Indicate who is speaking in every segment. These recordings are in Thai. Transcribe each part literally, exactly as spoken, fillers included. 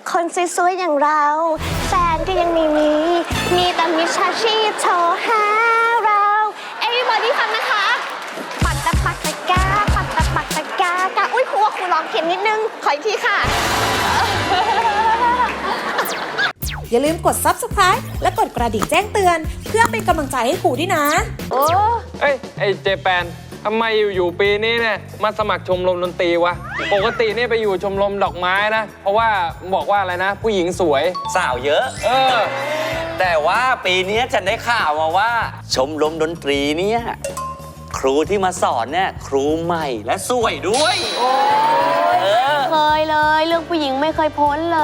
Speaker 1: คนสวยๆอย่างเราแฟนก็ยังไม่มีมีแต่มิจฉาชีพโทรหาเรา Everybody ฟังนะคะปักตะปักตะกาปักตะปักตะกากาอุ้ยครูว่าครูร้องเข็มนิดนึงขออีกทีค่ะ
Speaker 2: อย่าลืมกด ซับสไครบ์ และกดกระดิ่งแจ้งเตือนเพื่อเป็นกำลังใจให้ครูด้วยนะ
Speaker 1: โอ้
Speaker 3: เอ้ยไอเจแปนทำไมอยู่ๆปีนี้เนี่ยมาสมัครชมรมดนตรีวะปกติเนี่ยไปอยู่ชมรมดอกไม้นะเพราะว่าบอกว่าอะไรนะ ผู้หญิงสวย
Speaker 4: สาวเยอะ
Speaker 3: เออ
Speaker 4: แต่ว่าปีนี้ฉันได้ข่าวมาว่า ชมรมดนตรีเนี่ยครูที่มาสอนเนี่ยครูใหม่และสวยด้วยเออ
Speaker 1: เคยเลยเรื่องผู้หญิงไม่เคยพ้นเลย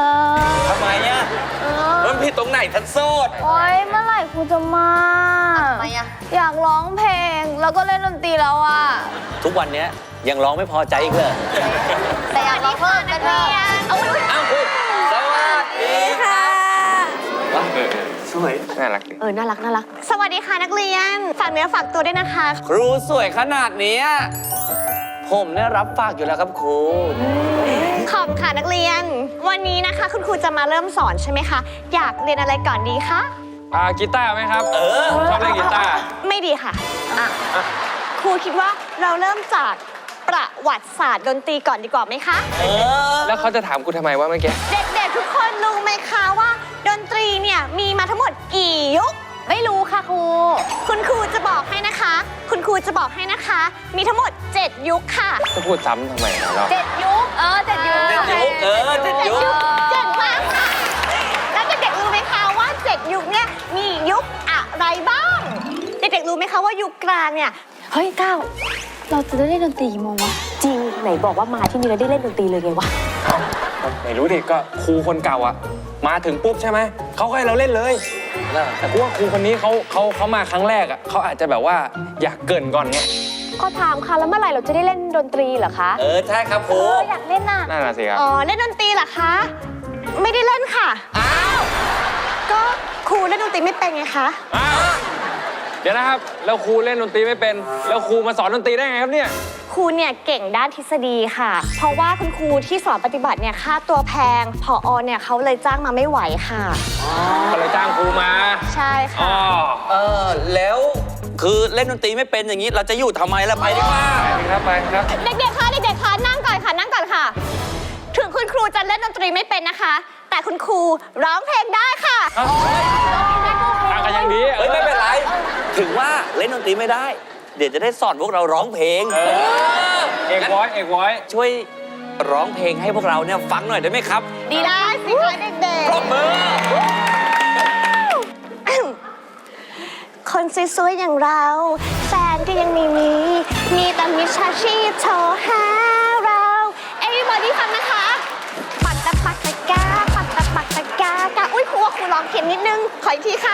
Speaker 4: ทำไมอ่ะ
Speaker 1: เออ
Speaker 4: มันผิดตรงไหนทันโซด
Speaker 5: โอ๊ยเมื่อไหร่ครูจะมา
Speaker 1: ทำไมอะ
Speaker 5: อยากร้องเพลงแล้วก็เล่นดนตรีแล้วอ่ะ
Speaker 4: ทุกวันเนี้ยยังร้องไม่พอใจอีกเลย
Speaker 5: แต่อยากร้องเพิ่มกันเถอะ
Speaker 1: เอาไว้
Speaker 4: อ้าวครูสวัสดีค่ะสวย
Speaker 3: น่ารักดิ
Speaker 1: เออน่ารักน่ารักสวัสดีค่ะนักเรียนฝากเนื้อฝากตัวด้วยนะคะ
Speaker 4: ครูสวยขนาดเนี้ยผมเนี่ยรับฝากอยู่แล้วครับครู
Speaker 1: ขอบค่ะนักเรียน วันนี้นะคะ คุณครูจะมาเริ่มสอนใช่ไหมคะอยากเรียนอะไรก่อนดีคะ
Speaker 3: อ่ากีตาร์ไหมครับ
Speaker 4: เออ
Speaker 3: ชอบเล่นกีตาร์
Speaker 1: ไม่ดีค่ะอ่ะครูคิดว่าเราเริ่มจากประวัติศาสตร์ดนตรีก่อนดีกว่าไหมคะ
Speaker 4: เออ
Speaker 3: แล้วเขาจะถามกูทำไมว่าเมื่อกี้
Speaker 1: เด็กๆทุกคนรู้ไหมคะว่า ดนตรีเนี่ยมีมาทั้งหมดกี่ยุคไม่รู้ค่ะครูคุณครูจะบอกให้นะคะ คุณครูจะบอกให้นะคะ มีทั้งหมดเจ็ดยุคค่ะ
Speaker 3: จะพูดซ้ำทำไมเรา
Speaker 5: เจ็ดยุคเออเจ็ดยุค
Speaker 4: เจ็ดยุคเออเจ็ดยุค
Speaker 1: เก่งมากค่ะ แล้วเด็กๆรู้ไหมคะว่าเจ็ดยุคเนี่ยมียุคอะไรบ้าง เด็กๆรู้ไหมคะว่ายุคกลางเนี่ย
Speaker 5: เฮ้ยก้าวเราจะได้เล่นดนตรีกี่โมงวะ
Speaker 1: จริงไหนบอกว่ามาที่นี่แล้วได้เล่นดนตรีเลยไงวะ
Speaker 3: ไม่รู้ดิก็ครูคนเก่าอะมาถึงปุ๊บใช่ไหมเขาก็ให้เราเล่นเลยแต่กูว่าครูคนนี้เขาเขาเขามาครั้งแรกอะเขาอาจจะแบบว่าอยากเกรินก่อนไง
Speaker 5: ก็ถามค่ะแล้วเมื่อไหร่เราจะได้เล่นดนตรีเหรอคะ
Speaker 4: เออใช่ครับครู
Speaker 5: เอออยากเล่นน่ะ
Speaker 3: นั่นน่ะสิครับ
Speaker 1: อ๋อเล่นดนตรีเหรอคะ ไม่ได้เล่นค่ะ
Speaker 4: อ้าว
Speaker 1: ก็ครูเล่นดนตรีไม่เป็นไงคะ
Speaker 3: อ้าวเดี๋ยวนะครับแล้วครูเล่นดนตรีไม่เป็นแล้วครูมาสอนดนตรีได้ไงครับเนี่ย
Speaker 1: ครูเนี่ยเก่งด้านทฤษฎีค่ะ เพราะว่าคุณครูที่สอนปฏิบัติเนี่ยค่าตัวแพงผอเนี่ยเขาเลยจ้างมาไม่ไหวค่ะ
Speaker 3: ก็เลยจ้างครูมา
Speaker 1: ใช่
Speaker 3: อ๋อ
Speaker 1: ค่ะ
Speaker 4: เออแล้วคือเล่นดนตรีไม่เป็นอย่างนี้เราจะอยู่ทำไมล่ะไปดีกว่า
Speaker 3: ไปครับไปครับ
Speaker 1: เด็กๆ คะ เด็กๆ คะ นั่งก่อนค่ะ นั่งก่อนค่ะ ถึงคุณครูจะเล่นดนตรีไม่เป็นนะคะ แต่คุณครูร้องเพลงได้ค่ะ
Speaker 3: ทางกันยังดี
Speaker 4: เฮ้ยไม่เป็นไร ถึงว่าเล่นดนตรีไม่ได้ เดี๋ยวจะได้สอนพวกเราร้องเพลง
Speaker 3: เออเอกวอยเอกวอย
Speaker 4: ช่วยร้องเพลงให้พวกเราเนี่ยฟังหน่อยได้ไหมครับ
Speaker 1: ดีได้สิคะเด็ก
Speaker 4: ปรบมือ
Speaker 1: ๆ คนสวยๆ อย่างเราแฟนก็ยังไม่มี มีแต่มิจฉาชีพโทรหาเรา Everybody ฟังนะคะ ปักตะปักตะกา ปักตะปักตะกากาอุ้ยครูว่าครูร้องเข็มนิดนึง ขออีกทีค่ะ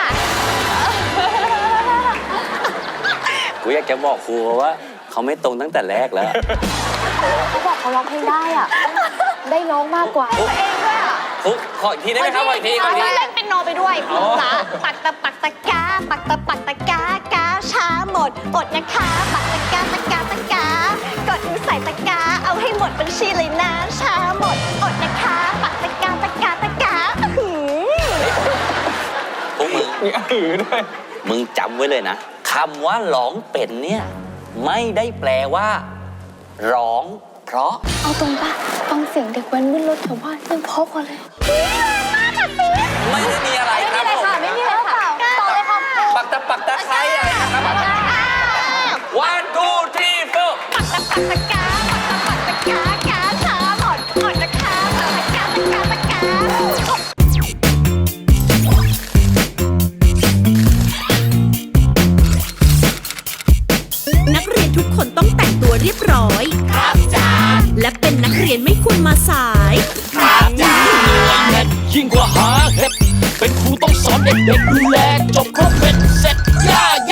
Speaker 4: กูอยากจะบอกครูว่าเขาไม่ตรงตั้งแต่แรกแล้ว
Speaker 5: เขาบอกเขาร้องเพลงได้อ่ะ ได้ร้องมากกว่า
Speaker 1: ตัวเองด้วยอ่ะ
Speaker 4: ครูขออีกทีได้ไหมครับขออีกทีขออีกที
Speaker 1: เล่นเป็นโนไปด้วยจ้าปักตะปักตะกา ปักตะปักตะกากาช้าหมดอดนะคะ ปักตะกาตะกาตะกากดมือใส่ตะกา เอาให้หมดบัญชีเลยนะช้าหมดอดนะคะ ปักตะกาตะกาตะกาหืม
Speaker 4: พวกมึง
Speaker 3: มีอือด้วย
Speaker 4: มึงจำไว้เลยนะคำว่าร้องเป็นเนี่ยไม่ได้แปลว่า ร้องเพราะ
Speaker 5: เอาตรงปะฟังเสียงเด็กแว้นบนรถแถวบ้านยังเพราะกว่าเลย
Speaker 4: ไม่ได้มีอะไรครับผม
Speaker 5: ไม่มีอะไรค่ะต่อเลยค่ะ
Speaker 4: ปักตะปักตะไคร้อะไรนะครับ one two three four
Speaker 1: ปักตะปักตะกา ปักตะปักตะกากาช้าหมดอดนะคะ ปักตะกาตะกาตะกา
Speaker 6: นักเรียนทุกคนต้องแต่งตัวเรียบร้อย ครับจ้าและเป็นนักเรียนไม่ควรมาสาย
Speaker 7: ยิ่งกว่าหาเห็ดเป็นครูต้องสอนเด็กๆดูแลจบครบเป็นเสร็จย่า